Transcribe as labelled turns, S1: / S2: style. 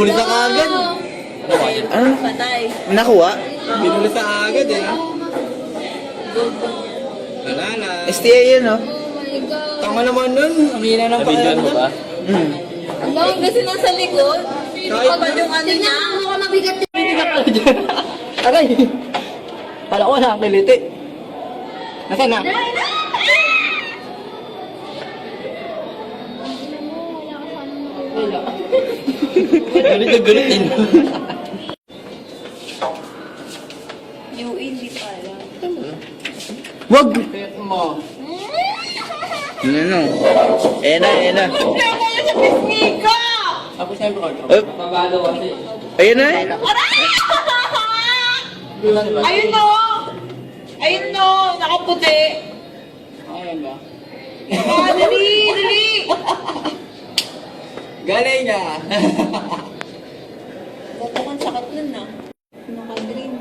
S1: Binuli sa agad.
S2: Ano?
S3: Patay.
S2: Nakuha?
S1: Binuli sa agad eh. Wala na.
S2: STA yun, no?
S3: Oh my God.
S1: Tama naman nun. Ang hina ng pakiramdam.
S2: ba? Hmm.
S3: Alam, kasi nasa likod.
S1: Kahit
S3: Kapag yung ano niya.
S4: Mukha mabigat yun.
S2: Hindi ka pala dyan. Aray! Pala ko nakakiliti. Nasaan na?
S4: Wala.
S2: Galit na galit din.
S3: UE, hindi pala.
S2: Wag!
S1: Pet mo.
S2: Ano? Eh na, eh na.
S3: Hindi ako yung sa pisngika!
S1: Ako siyempre ko.
S2: Up.
S1: Pabalo kasi.
S2: Ayun na eh.
S3: Ayun no! Ayun no! Nakaputi!
S1: Ayan ba?
S3: Ah, dali! Dali!
S1: Galing niya.
S3: Bakit sakit nun na? Naka-green.